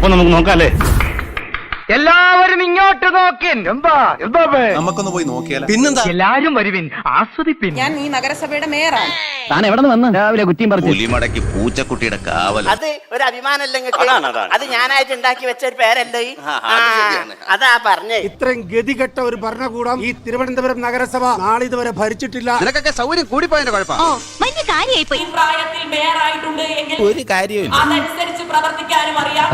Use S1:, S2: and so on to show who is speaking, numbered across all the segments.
S1: അപ്പൊ നമുക്ക് നോക്കാം അല്ലേ? എല്ലാവരും ഇങ്ങോട്ട് നോക്കിൻ. എന്താ
S2: നമുക്കൊന്ന് പോയി നോക്കിയാലോ? പിന്നെന്താ,
S1: എല്ലാരും വരുവിൻ, ആസ്വദിപ്പിൻ.
S3: ഞാൻ ഈ നഗരസഭയുടെ മേയറാണ്.
S1: താൻ എവിടെ നിന്ന് വന്ന് രാവിലെ കുറ്റിയും പറഞ്ഞു?
S2: പുലിമടക്കി പൂച്ചക്കുട്ടിയുടെ കാവൽ.
S4: അത് ഒരു അഭിമാനമല്ലെങ്കിൽ അത് ഞാനായിട്ട് ഉണ്ടാക്കി വെച്ച ഒരു പേരല്ലേ? അതാ പറഞ്ഞേ.
S5: ഇത്രയും ഗതികെട്ട ഒരു ഭരണകൂടം ഈ തിരുവനന്തപുരം നഗരസഭ നാളിതുവരെ ഭരിച്ചിട്ടില്ല.
S2: നിനക്കൊക്കെ സൗകര്യം കൂടിപ്പോയതിന്റെ കുഴപ്പം. ഒരു കാര്യമില്ല.
S3: അതനുസരിച്ച് പ്രവർത്തിക്കാനും അറിയാം.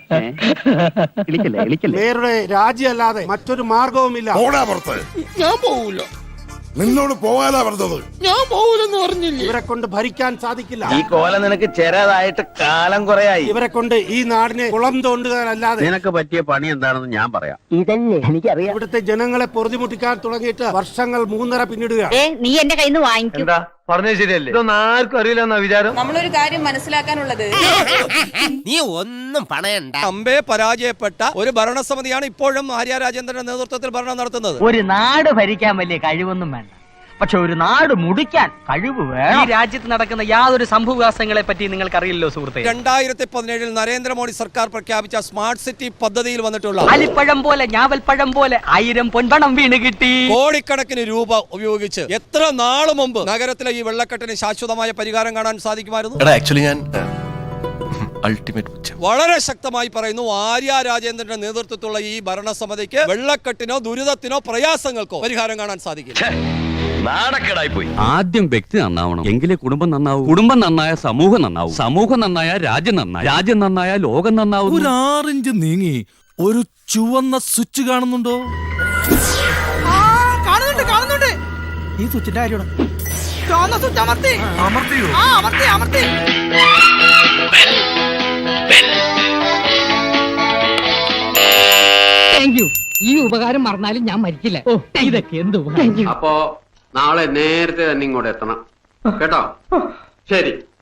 S5: മേയറുടെ രാജിയല്ലാതെ മറ്റൊരു മാർഗവുമില്ല.
S6: ഞാൻ പോവൂല. നിന്നോട് പോകാനാ പറഞ്ഞത്. ഞാൻ പോവൂലെന്ന് പറഞ്ഞില്ല.
S5: ഇവരെ കൊണ്ട് ഭരിക്കാൻ സാധിക്കില്ല.
S1: ഈ കോല നിനക്ക് ചെറുതായിട്ട് കാലം കുറയായി.
S5: ഇവരെ കൊണ്ട് ഈ നാടിനെ കുളം തോണ്ടുകാനല്ലാതെ
S1: നിനക്ക് പറ്റിയ പണി എന്താണെന്ന് ഞാൻ പറയാം. ഇതല്ലേ എനിക്കറിയാം.
S5: ഇവിടുത്തെ ജനങ്ങളെ പൊറുതിമുട്ടിക്കാൻ തുടങ്ങിയിട്ട് വർഷങ്ങൾ 3.5 പിന്നിടുക.
S7: നീ എന്റെ കയ്യിൽ നിന്ന് വാങ്ങിക്കും.
S1: എന്താ പറഞ്ഞത് ശരിയല്ലേ? ഇതൊന്നും ആർക്കും അറിയില്ലെന്നാ വിചാരം.
S3: നമ്മളൊരു കാര്യം മനസ്സിലാക്കാനുള്ളത്,
S4: നീ ഒന്നും പണയണ്ട.
S8: അമ്പേ പരാജയപ്പെട്ട ഒരു ഭരണസമിതിയാണ് ഇപ്പോഴും ആര്യ രാജേന്ദ്രന്റെ നേതൃത്വത്തിൽ ഭരണം നടത്തുന്നത്.
S1: ഒരു നാട് ഭരിക്കാൻ വലിയ കഴിവൊന്നും വേണ്ട, പക്ഷെ ഒരു നാട് മുടിക്കാൻ കഴിവ് വേണം. ഈ രാജ്യത്ത് നടക്കുന്ന യാതൊരു സംഭവവികാസങ്ങളെ പറ്റി നിങ്ങൾക്ക് അറിയില്ലോ സുഹൃത്തെ.
S8: 2017 നരേന്ദ്രമോദി സർക്കാർ പ്രഖ്യാപിച്ച സ്മാർട്ട് സിറ്റി പദ്ധതിയിൽ വന്നിട്ടുള്ള
S1: അലിപ്പഴം പോലെ ഞാവൽപ്പഴം പോലെ 1000 പൊൻപണം വീണ് കിട്ടി.
S8: കോടിക്കണക്കിന് രൂപ ഉപയോഗിച്ച് എത്ര നാള് മുമ്പ് നഗരത്തിലെ ഈ വെള്ളക്കെട്ടിന് ശാശ്വതമായ പരിഹാരം കാണാൻ സാധിക്കുമായിരുന്നു?
S2: ആക്ച്വലി ഞാൻ
S8: വളരെ ശക്തമായി പറയുന്നു, ആര്യ രാജേന്ദ്രന്റെ നേതൃത്വത്തിലുള്ള ഈ ഭരണസമിതിക്ക് വെള്ളക്കെട്ടിനോ ദുരിതത്തിനോ പ്രയാസങ്ങൾക്കോ പരിഹാരം കാണാൻ സാധിക്കില്ല.
S1: നാണക്കേടായി പോയി.
S9: ആദ്യം വ്യക്തി നന്നാവണം, എങ്കിലേ കുടുംബം നന്നാവൂ. കുടുംബം നന്നായ സമൂഹം നന്നാവും. സമൂഹം നന്നായ രാജ്യം നന്നായി. രാജ്യം നന്നായ ലോകം നന്നാവും.
S6: ഒരു 6 ഇഞ്ച് നീങ്ങി ഒരു ചുവന്ന സ്വിച്ച് കാണുന്നുണ്ടോ?
S4: കാണുന്നുണ്ട്. ഈ സ്വിച്ചിന്റെ കാര്യമാണ്. ചുവന്ന സ്വിച്ച് അമർത്തിയോ? അമർത്തി.
S7: ഈ ഉപകാരം മറന്നാലും ഞാൻ മരിക്കില്ല. ഇതൊക്കെ എന്ത്
S10: അപ്പോ നാളെ നേരത്തെ തന്നെ ഇങ്ങോട്ട് എത്തണം കേട്ടോ? ശരി.